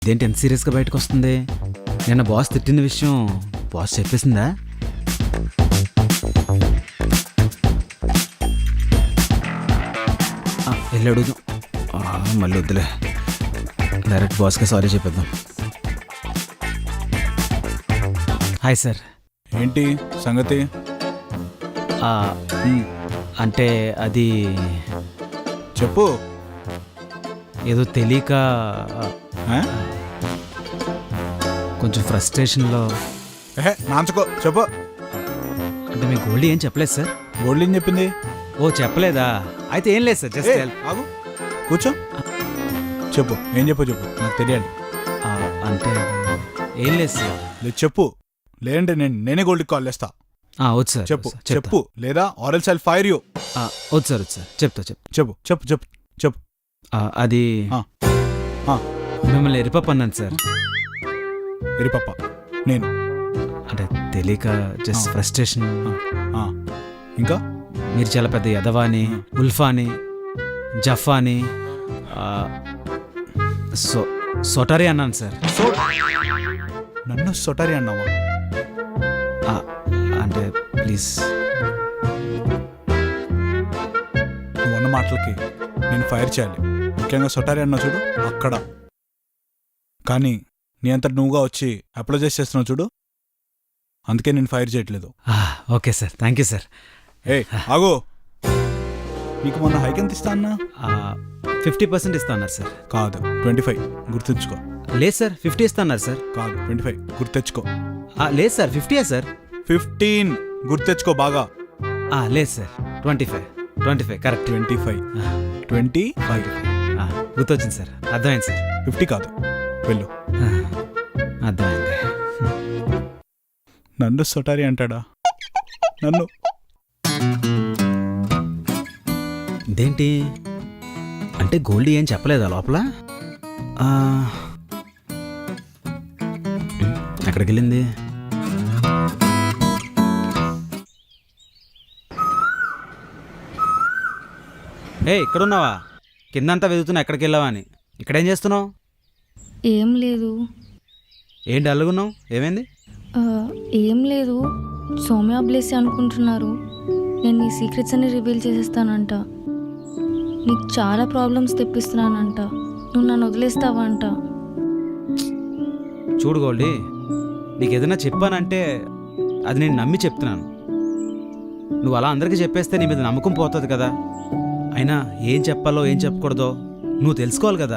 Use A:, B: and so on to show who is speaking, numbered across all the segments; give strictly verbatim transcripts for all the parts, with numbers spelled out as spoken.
A: ఇదేంటి ఎంత సీరియస్గా బయటకు వస్తుంది? నిన్న బాస్ తిట్టిన విషయం బాస్ చెప్పేసిందా? వెళ్ళి అడుగుదాం. మళ్ళీ వద్దులే, డైరెక్ట్ బాస్కే సారీ చెప్పేద్దాం. Hi sir.
B: ఏంటి సంగతి?
A: అంటే అది
B: చెప్పు.
A: ఏదో తెలియక కొంచెం ఫ్రస్ట్రేషన్లో.
B: ఏహే నాంచుకో, చెప్పు.
A: అంటే మీ గోల్డీ ఏం చెప్పలేదు సార్?
B: గోల్డీ ఏం చెప్పింది?
A: ఓ చెప్పలేదా? అయితే ఏం లేదు సార్, జస్ట్
B: ఆగు, కూర్చో, చెప్పు. ఏం చెప్పు చెప్పు, నాకు తెలియాలి.
A: అంటే ఏం లేదు సార్.
B: లేదు చెప్పు, లేదంటే నేను నేనే గోల్డ్కి కాల్ చేస్తా.
A: వద్దు సార్,
B: చెప్పు చెప్పు, లేదా ఆరెల్స్ ఐల్ ఫైర్ యూ.
A: వద్దు సార్, వద్దు సార్, చెప్తా చెప్పు
B: చెప్పు చెప్పు చెప్పు చెప్పు.
A: అది మిమ్మల్ని ఎరిపప్ప అన్నాను సార్.
B: ఎరిపప్ప? నేను
A: అంటే తెలియక జస్ట్ ఫ్రస్ట్రేషన్.
B: ఇంకా
A: మీరు చాలా పెద్ద యదవాని, ఉల్ఫాని, జఫాని, సో సొటారి అన్నాను సార్.
B: నన్ను సొటారి అన్నావా?
A: అంటే ప్లీజ్,
B: నువ్వు అన్న మాటలకి నేను ఫైర్ చేయాలి. ముఖ్యంగా సొటారి అన్నా చూడు అక్కడ. కానీ నీ అంతటి నువ్వుగా వచ్చి అప్లైజ్ చేస్తున్నావు చూడు, అందుకే నేను ఫైర్ చేయట్లేదు.
A: Okay sir, thank you sir.
B: ఏ ఆగో, నీకు మొన్న హైక్ ఎంత ఇస్తా అన్నా?
A: ఫిఫ్టీ పర్సెంట్ ఇస్తా అన్నారు సార్.
B: కాదు, ట్వంటీ ఫైవ్ గుర్తుంచుకో.
A: లేదు సార్, ఫిఫ్టీ ఇస్తా అన్నారు సార్.
B: కాదు, ట్వంటీ ఫైవ్ గుర్తెచ్చుకో.
A: లేదు సార్, ఫిఫ్టీయా సార్?
B: ఫిఫ్టీన్ గుర్తెచ్చుకో బాగా.
A: లేదు sir, twenty five twenty five correct.
B: Twenty five twenty five
A: గుర్తొచ్చింది సార్, అర్థమైంది సార్.
B: ఫిఫ్టీ కాదు, వెళ్ళు.
A: అర్థమైంది.
B: నన్ను సొటారి అంటాడా? నన్ను
A: ఇదేంటి అంటే గోల్డీ ఏం చెప్పలేదా లోపల? ఎక్కడికి వెళ్ళింది? ఏ ఇక్కడున్నావా? కిందంతా వెతుకుతున్నా ఎక్కడికి వెళ్ళావా అని. ఇక్కడేం చేస్తున్నావు?
C: ఏం లేదు.
A: ఏంటి అల్లుగున్నావు? ఏమైంది?
C: ఏం లేదు, సౌమ్య బ్లెస్సి అనుకుంటున్నారు నేను నీ సీక్రెట్స్ అన్ని రివీల్ చేసేస్తానంట. నీకు చాలా ప్రాబ్లమ్స్ తెప్పిస్తున్నానంట. నువ్వు నన్ను వదిలేస్తావా అంట.
A: చూడు గోల్డీ, నీకు ఏదైనా చెప్పానంటే అది నేను నమ్మి చెప్తున్నాను. నువ్వు అలా అందరికీ చెప్పేస్తే నీ మీద నమ్మకం పోతుంది కదా. అయినా ఏం చెప్పాలో ఏం చెప్పకూడదో నువ్వు తెలుసుకోవాలి కదా.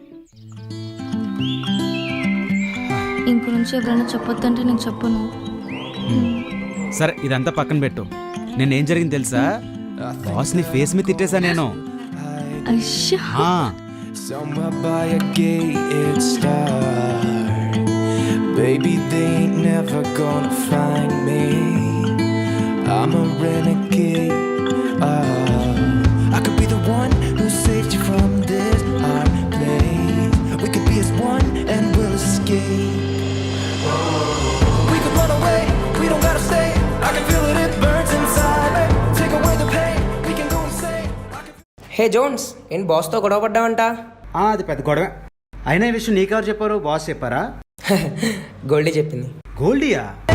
C: ఇంక నుంచి ఎవరైనా చెప్పొద్దంటే నేను చెప్పను.
A: సరే, ఇదంతా పక్కన పెట్టు. నేను ఏం జరిగింది తెలుసా? బాస్ నీ ఫేస్ మీద తిట్టేశా నేను.
D: Baby, they ain't never gonna find me. I'm a renegade. Oh, I could be the one who saved you from this hard place. We could be as one and we'll escape. We could run away, we don't gotta stay. I can feel it, it burns inside me. Take away the pain, we can go insane.
E: Hey Jones, ఏం బాస్తో గొడవ పడ్డావంట?
A: అది పెద్ద గొడవ. అయినా ఈ విషయం నీకెవరు చెప్పారు? బాస్ చెప్పారా?
E: గోల్డీ చెప్పింది.
A: గోల్డీయా?